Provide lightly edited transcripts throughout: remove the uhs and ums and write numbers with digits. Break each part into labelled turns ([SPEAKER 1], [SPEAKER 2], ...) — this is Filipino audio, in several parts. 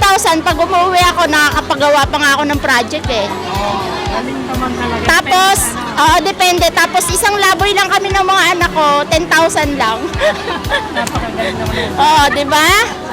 [SPEAKER 1] 10,000, pag umuwi ako, nakakapagawa pa nga ako ng project eh.
[SPEAKER 2] Galing naman talaga.
[SPEAKER 1] Tapos, depende. Tapos isang laboy lang kami ng mga anak ko, 10,000 lang.
[SPEAKER 2] Napakagaling naman yun.
[SPEAKER 1] Di ba?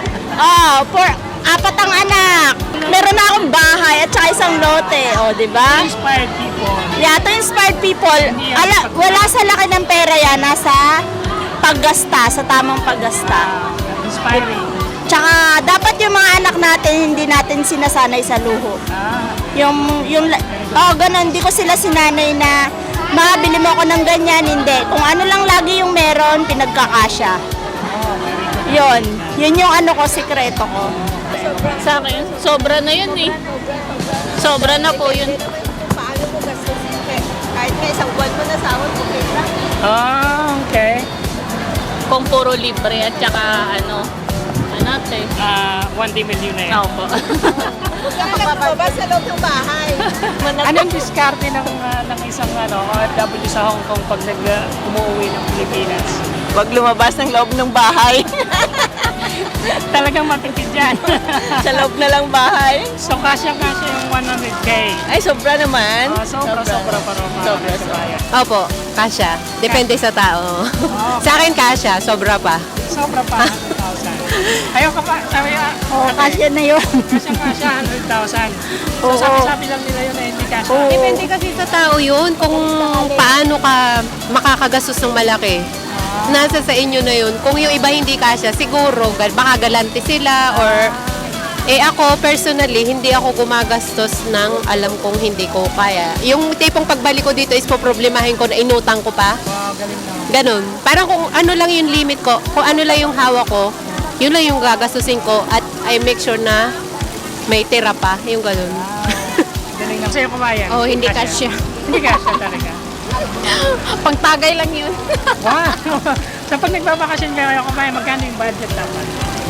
[SPEAKER 1] Apat ang anak. Meron na akong bahay at saka isang lote. Di ba?
[SPEAKER 2] Inspired people.
[SPEAKER 1] Yeah, to inspired people. Wala sa laki ng pera yan, nasa paggasta, sa tamang paggasta.
[SPEAKER 2] Inspiring.
[SPEAKER 1] Tsaka dapat yung mga anak natin, hindi natin sinasanay sa luho. Ganun, hindi ko sila sinanay na mabili mo ako ng ganyan, hindi. Kung ano lang lagi yung meron, pinagkakasya. Yun yung ano ko, sikreto ko.
[SPEAKER 3] Sa akin, sobra na yun eh. Sobra na po yun.
[SPEAKER 4] Paano mo gastusin kahit nga isang buwan mo na sahod, okay lang.
[SPEAKER 2] Okay.
[SPEAKER 3] Kung puro libre at saka ano ate.
[SPEAKER 2] 1 million na yun.
[SPEAKER 3] Opo.
[SPEAKER 4] Huwag kang magbabas sa loob ng bahay.
[SPEAKER 2] Anong diskarte ng isang OFW sa Hong Kong pag umuwi ng Pilipinas?
[SPEAKER 4] Huwag lumabas ng loob ng bahay.
[SPEAKER 2] Talagang matipid yan.
[SPEAKER 4] Sa loob na lang bahay.
[SPEAKER 2] So, kasya-kasya yung 100K.
[SPEAKER 4] Ay, sobra naman.
[SPEAKER 2] Sobra pa rin.
[SPEAKER 4] Sobra.
[SPEAKER 5] Opo, kasya. Depende sa tao. Sa akin kasya, sobra pa.
[SPEAKER 2] Sobra pa, 100,000. Ayaw ka pa, sabi
[SPEAKER 1] Kasya na yun.
[SPEAKER 2] kasya 100,000. So, sabi-sabi lang nila yun na hindi kasya.
[SPEAKER 5] Depende kasi sa tao yun kung paano ka makakagastos ng malaki. Nasa sa inyo na yun. Kung yung iba hindi kasya, siguro baka galante sila or ako personally, hindi ako gumagastos ng alam kong hindi ko kaya. Yung tipong pagbalik ko dito is poproblemahin ko na inutang ko pa. Ganon. Parang kung ano lang yung limit ko, kung ano lang yung hawak ko, yun lang yung gagastusin ko at I make sure na may tira pa. Yung ganon.
[SPEAKER 2] Galing lang. Sa'yo kumayan.
[SPEAKER 5] Hindi kasya.
[SPEAKER 2] Hindi kasya talaga.
[SPEAKER 5] Pangtagay lang yun.
[SPEAKER 2] Wow! So pag nagbabakasyon kayo kumayan, magkano yung budget dapat?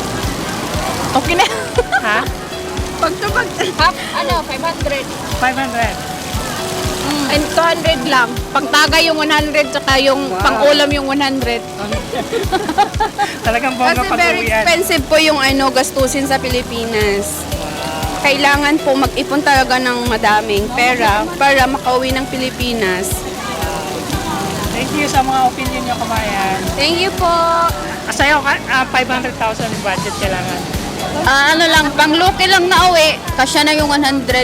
[SPEAKER 5] Okay na.
[SPEAKER 2] Ha?
[SPEAKER 5] Pagtubag.
[SPEAKER 3] 500.
[SPEAKER 2] 500.
[SPEAKER 5] And 200 lang. Pangtagay yung 100 saka yung pang-ulam yung 100.
[SPEAKER 2] Talagang bongga
[SPEAKER 6] Kasi very
[SPEAKER 2] pag-uwian.
[SPEAKER 6] expensive po yung gastusin sa Pilipinas. Kailangan po mag-ipon talaga ng madaming pera para makauwi ng Pilipinas.
[SPEAKER 2] Thank you sa mga opinion nyo kumayan.
[SPEAKER 6] Thank you po.
[SPEAKER 2] Sa'yo, 500,000 yung budget kailangan.
[SPEAKER 6] Ano lang, pang-luki lang na uwi, kasya na yung 100.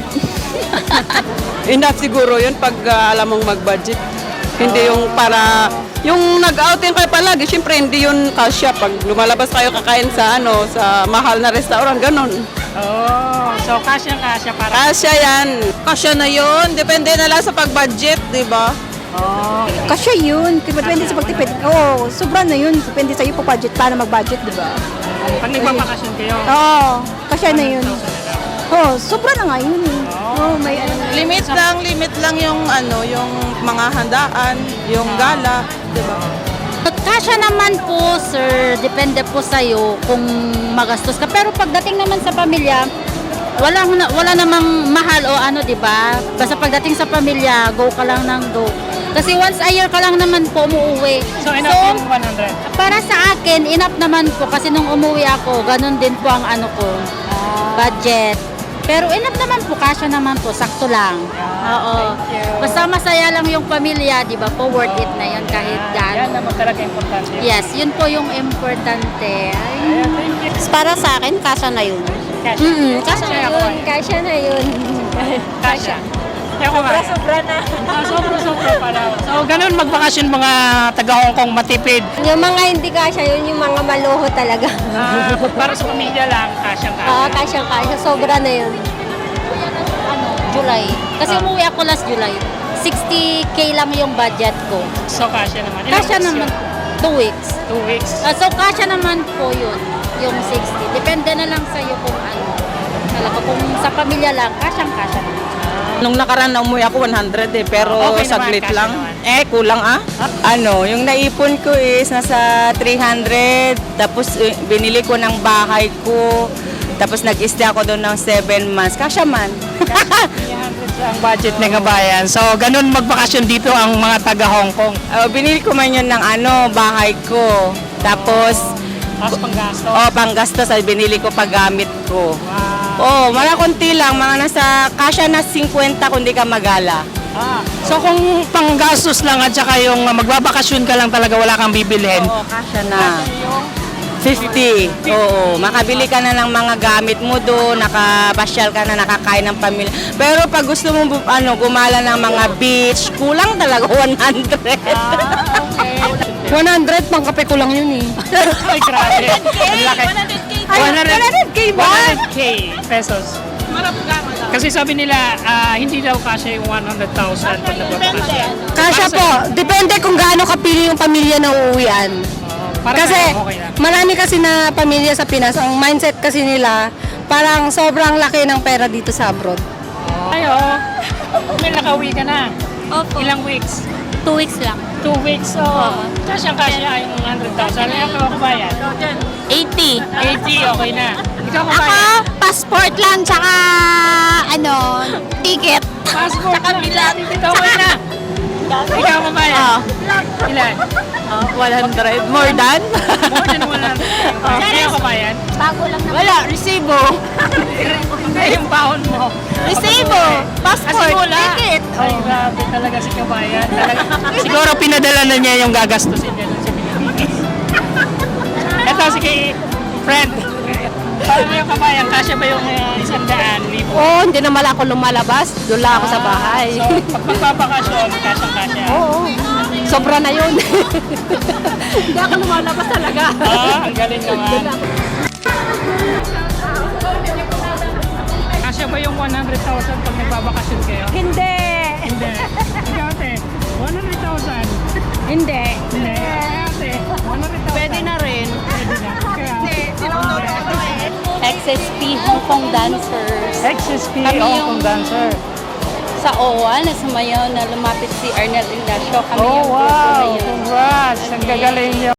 [SPEAKER 4] Enough siguro yun pag alam mong mag-budget. Hindi yung para, yung nag-outing kayo palagi, syempre hindi yun kasya. Pag lumalabas kayo kakain sa sa mahal na restaurant, ganun.
[SPEAKER 2] So kasya para.
[SPEAKER 4] Kasya yan. Kasya na yun. Depende na lang sa pag-budget, di ba?
[SPEAKER 7] Kasya yun. Depende sa pagtipid. Sobra na yun. Depende sa iyo po budget, paano mag-budget, di ba?
[SPEAKER 2] Pag nagbabakasyon kayo,
[SPEAKER 7] Kasya na yun. Sobra na nga yun. May
[SPEAKER 4] Limit lang yung yung mga handaan, yung gala, di ba?
[SPEAKER 1] Kasya naman po, sir. Depende po sa'yo kung magastos ka. Pero pagdating naman sa pamilya, wala namang mahal o di ba? Basta pagdating sa pamilya, go ka lang ng go. Kasi once a year ka lang naman po umuwi.
[SPEAKER 2] so enough yung 100.
[SPEAKER 1] Para sa akin, enough naman po kasi nung umuwi ako, ganun din po ang ko, budget. Pero enough naman po, kasya naman po, sakto lang. Oo. Basta masaya lang yung pamilya, di ba po, worth it na yun kahit
[SPEAKER 2] Yan
[SPEAKER 1] gaano.
[SPEAKER 2] naman talaga importante.
[SPEAKER 1] Yes, yun po yung importante.
[SPEAKER 2] Ayan, thank you.
[SPEAKER 1] Para sa akin, kasya na yun.
[SPEAKER 2] Kasya.
[SPEAKER 1] Kasya na yun, kasya na yun.
[SPEAKER 2] Kasya. Sobra na. Sobra pala. So, ganun magbakasyon mga taga-Hong Kong matipid.
[SPEAKER 7] Yung mga hindi kasya, yun yung mga maluho talaga.
[SPEAKER 2] Para sa pamilya lang, kasya.
[SPEAKER 7] Kasya. Sobra na yun.
[SPEAKER 1] July. Kasi umuwi ako last July. 60K lang yung budget ko.
[SPEAKER 2] So, kasya naman. Ilang
[SPEAKER 1] Kasya
[SPEAKER 2] weeks
[SPEAKER 1] naman,
[SPEAKER 2] yun?
[SPEAKER 1] 2 weeks.
[SPEAKER 2] 2 weeks.
[SPEAKER 1] So, kasya naman po yun, yung 60. Depende na lang sa'yo kung talaga kung sa pamilya lang, kasyang-kasya naman.
[SPEAKER 4] Nung nakaraan na umuwi ako 100 pero
[SPEAKER 2] Okay naman,
[SPEAKER 4] saglit
[SPEAKER 2] kasya
[SPEAKER 4] lang.
[SPEAKER 2] naman.
[SPEAKER 4] Kulang yung naipon ko is nasa 300, tapos binili ko ng bahay ko, tapos nag-stay ako doon ng 7 months. Kasya man.
[SPEAKER 2] 300 ang budget ng bayan. So, ganun magbakasyon dito ang mga taga-Hong Kong.
[SPEAKER 4] Binili ko man yun ng bahay ko. Tapos,
[SPEAKER 2] Tapos panggasto.
[SPEAKER 4] panggastos ay binili ko paggamit ko.
[SPEAKER 2] Wow.
[SPEAKER 8] Oo, mga konti lang, mga nasa kasya na 50 kundi ka magala.
[SPEAKER 2] So kung panggastos lang at saka yung magbabakasyon ka lang talaga wala kang bibilhin.
[SPEAKER 8] Oo, kasya na. 50. Oo, makabili ka na ng mga gamit mo doon, nakabasyal ka na, nakakain ng pamilya. Pero pag gusto mo gumala ng mga beach, kulang talaga 100.
[SPEAKER 5] 100, pang kape ko lang yun eh.
[SPEAKER 2] Ay, grabe. Ang laki.
[SPEAKER 5] 100K ba?
[SPEAKER 2] 100K pesos. Kasi sabi nila, hindi daw kasya yung 100,000 pag nagbabakasyon.
[SPEAKER 5] Kasya po. Depende kung gaano kapili yung pamilya na uuwian.
[SPEAKER 2] Para
[SPEAKER 5] Kasi
[SPEAKER 2] sa'yo, okay na.
[SPEAKER 5] marami kasi na pamilya sa Pinas, ang mindset kasi nila, parang sobrang laki ng pera dito sa abroad.
[SPEAKER 2] Ayo, may nakauwi ka na.
[SPEAKER 3] Opo.
[SPEAKER 2] Ilang weeks?
[SPEAKER 3] 2 weeks lang.
[SPEAKER 2] 2 weeks. So, kasya yung 100,000. Ikaw kabayan?
[SPEAKER 3] 80.
[SPEAKER 2] 80, okay na. Ikaw
[SPEAKER 3] Ako,
[SPEAKER 2] kabayan?
[SPEAKER 3] passport lang, tsaka ticket.
[SPEAKER 2] Passport na. Ikaw okay na. Ikaw kabayan? Ilan?
[SPEAKER 8] 100. More than?
[SPEAKER 2] More than 100. Ikaw kabayan?
[SPEAKER 3] Bago lang naman.
[SPEAKER 8] Wala, resibo.
[SPEAKER 2] Hindi yung baon mo.
[SPEAKER 3] Resibo, passport, ticket.
[SPEAKER 2] Ay, grabe talaga si kabayan. Talaga. Siguro pinadala na niya yung gagastusin niya dun sa Pilipinas. Ito, sige, friend. Paano yung kabayan? Kasya ba yung 100,000?
[SPEAKER 5] Oo, hindi naman ako lumalabas. Doon lang ako sa bahay.
[SPEAKER 2] So, pag magpapakasyon, kasyang-kasya.
[SPEAKER 5] Oo. Sobra na yun. Hindi ako lumalabas talaga.
[SPEAKER 2] Ang galing naman. Kasya ba yung 100,000 pag nagbabakasyon kayo?
[SPEAKER 7] Hindi.
[SPEAKER 2] Hindi. Ikaw, ate, 100,000?
[SPEAKER 7] Hindi.
[SPEAKER 2] Hindi. Ate, 100,000?
[SPEAKER 8] Pwede na rin.
[SPEAKER 2] Pwede na. Kaya,
[SPEAKER 1] XSP Hong Kong Dancers.
[SPEAKER 2] XSP,
[SPEAKER 1] Kami
[SPEAKER 2] Hong
[SPEAKER 1] yung-
[SPEAKER 2] Kong dancer.
[SPEAKER 1] Sa OWA, na sumayaw na lumapit si Arnel Ignacio. Kami
[SPEAKER 2] Oh,
[SPEAKER 1] yung grupo na
[SPEAKER 2] wow!
[SPEAKER 1] yun.
[SPEAKER 2] Congrats! Ang gagaling niyo.